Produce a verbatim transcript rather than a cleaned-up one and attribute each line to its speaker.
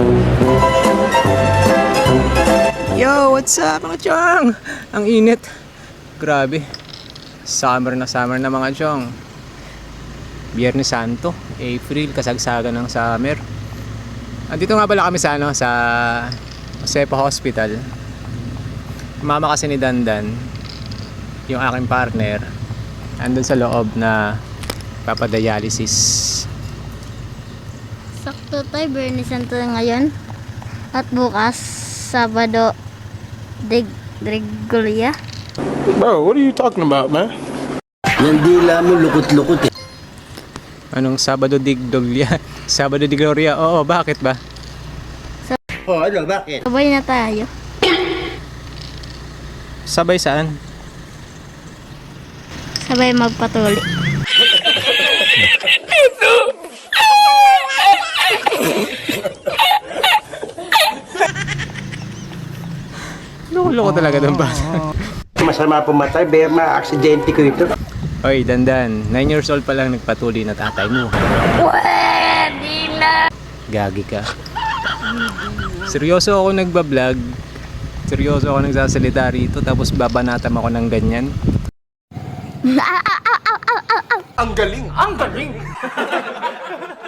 Speaker 1: Yo, what's up mga chong? Ang init. Grabe. Summer na summer na mga chong. Biyernes Santo, April, kasagsagan ng summer. Andito nga pala kami sa ano, sa Josepa Hospital. Mama kasi ni Dandan, yung aking partner, andun sa loob na papadialysis.
Speaker 2: Sakto tayo, Biyernes Santo ngayon. At bukas, Sabado, Deg Gregoria.
Speaker 3: Bro, what are you talking about, man?
Speaker 4: Yung dila mo lukot-lukot eh.
Speaker 1: Anong Sabado di Gloria? Sabado di Gloria? Oo, bakit ba?
Speaker 4: Oh, ano, bakit?
Speaker 2: Sabay na tayo.
Speaker 1: Sabay saan?
Speaker 2: Sabay magpatuli.
Speaker 1: Loko-loko talaga ng bata.
Speaker 4: Masama pumatay, baya ma-aksidente ko ito.
Speaker 1: Oy, Dandan, nine years old pa lang nagpatuli na tatay mo.
Speaker 2: Pwede na!
Speaker 1: Gagi ka. Seryoso ako nagbablog. Seryoso ako nagsasalita rito, tapos babanatam ako ng ganyan.
Speaker 3: Ang galing! Ang galing!